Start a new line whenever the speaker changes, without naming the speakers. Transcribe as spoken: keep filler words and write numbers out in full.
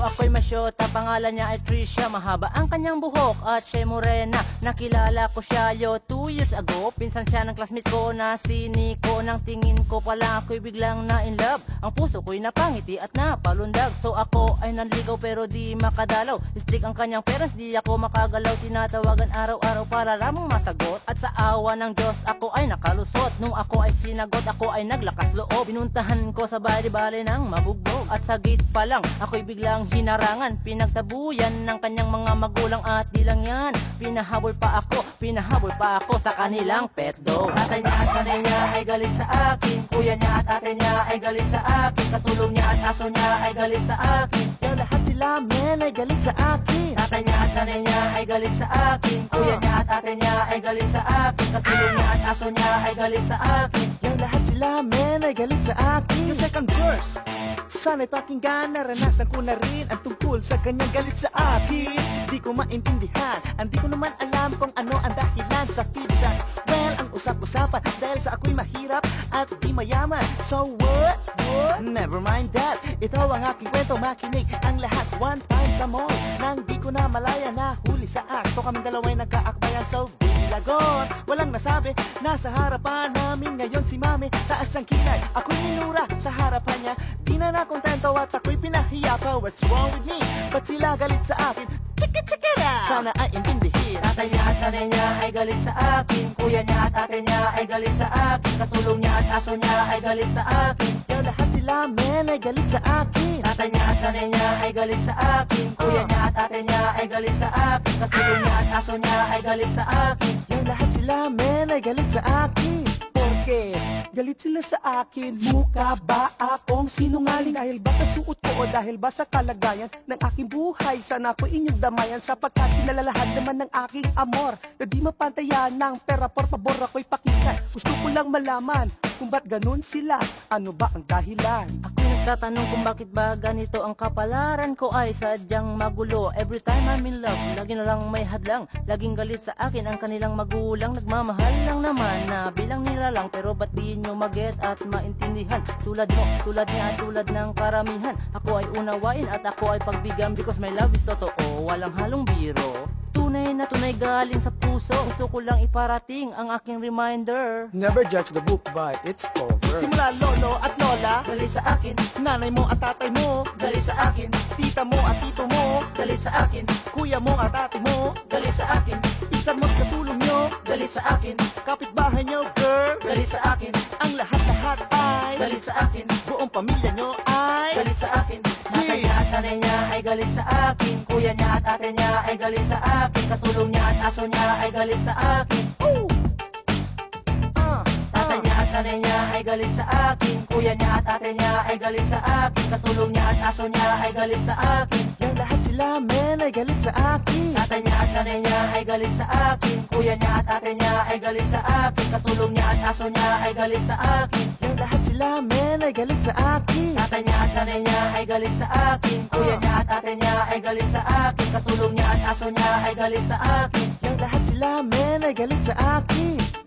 ako'y masyota, pangalan niya ay Trisha. Mahaba ang kanyang buhok at siya'y morena. Nakilala ko siya yo two years ago. Pinsan siya ng classmate ko na si Nico. Nang tingin ko pala ako'y biglang na in love. Ang puso ko'y napangiti at napalundag. So ako ay nanligaw pero di makadalaw. Strict ang kanyang parents, di ako makagalaw. Tinatawagan araw-araw para lamang masagot. At sa awa ng Diyos ako ay nakalusot. Nung ako ay sinagot, ako ay naglakas loob. Pinuntahan ko sa bali-bali ng mabugbog. At sa gate pa lang, ako'y biglang hinarangan. Pinagtabuyan ng kanyang mga magulang at di lang yan. Pinahabol pa ako, pinahabol pa ako sa kanilang pet dog. Tatay niya at nanay niya ay galit sa akin. Kuya niya at ate niya ay galit sa akin. Katulong niya at aso niya ay galit sa akin.
Yo, lahat sila men ay galit sa akin.
Tatay niya at nanay niya ay galit sa akin. Kuya niya at ate niya ay galit sa akin. Katulong niya at aso niya ay galit sa akin.
Yo, lahat sila men ay galit sa akin. Yung second verse, sana'y pakinggan, naranasan ko na rin ang tungkol sa kanyang galit sa akin. Di ko maintindihan, hindi ko naman alam kung ano ang dahilan sa feedbacks. Well, ang usap-usapan dahil sa ako'y mahirap at di mayaman. So what? What? Never mind that. Ito ang aking kwento, makinig ang lahat. One time sa mall, nang di ko na malaya na huli sa akto. Kaming dalawa'y nagkaakbayan, so bilagon. Walang nasabi, nasa harapan namin ngayon si mami. Taas ang kilay, ako'y minura sa harapan niya. Di na nakontento at ako'y pinahiya pa. What's wrong with me? Ba't sila galit sa akin? Check it, check it out! Sana ay intindihin.
Tatay niya at nanay niya ay galit sa akin. Kuya niya at ate niya ay galit sa akin. Katulong niya at aso niya ay galit sa akin.
Yo, lahat sila men ay galit sa akin.
Tatay niya at nanay niya ay galit sa akin. Kuya niya at ate niya ay galit sa akin. Katulong niya at aso niya ay galit sa akin.
Yo, lahat sila men ay galit sa akin. Porque galit sila sa akin. Mukha ba akong sinungaling? Dahil ba sa suot ko o dahil ba sa kalagayan ng aking buhay? Sana ko inyong damayan sapagkat kinalalahan naman ng aking amor na di mapantayan ng pera. Por favor ako'y pakinggan. Gusto ko lang malaman kung ba't ganun sila. Ano ba ang dahilan?
Ako'y nagtatanong kung bakit ba ganito ang kapalaran ko ay sadyang magulo. Every time I'm in love, lagi na lang may hadlang. Laging galit sa akin ang kanilang magulang. Nagmamahal lang naman na bilang nila lang. Pero ba't di nyo maget at maintindihan? Tulad mo, tulad niya at tulad ng karamihan. Ako ay unawain at ako ay pagbigyan. Because my love is totoo, walang halong biro. Tunay na tunay galing sa puso. Gusto ko lang iparating ang aking reminder.
Never judge the book by its cover. Simula lolo at lola,
Galit sa akin,
nanay mo at tatay mo,
galit sa akin,
tita mo at tito mo,
galit sa akin,
kuya mo at ate mo,
galit sa akin,
pinsan mo sa tulong nyo,
galit sa akin,
kapitbahay nyo girl,
galit sa akin,
ang lahat-lahat ay
galit sa akin,
buong pamilya nyo ay
galit sa akin. Tatay niya at nanay niya ay galit sa akin. Kuya niya at ate niya ay galit sa akin. Katulong niya at aso niya ay galit sa akin.
Ooh. Ah,
Tatay niya at nanay niya ay galit sa akin. Kuya niya at ate niya ay galit sa akin. Katulong niya at aso niya ay galit sa akin.
yung lahat sila men ay galit sa akin.
Tatay niya at nanay niya ay galit sa akin. Kuya niya at ate niya ay galit sa akin. Katulong niya at aso niya ay galit sa akin.
yung lahat sila men ay galit sa akin.
Tatay niya at nanay niya ay galit sa akin. Kuya niya at ate niya ay galit sa akin. Katulong niya at aso niya ay galit sa akin.
yung lahat sila men ay galit sa akin.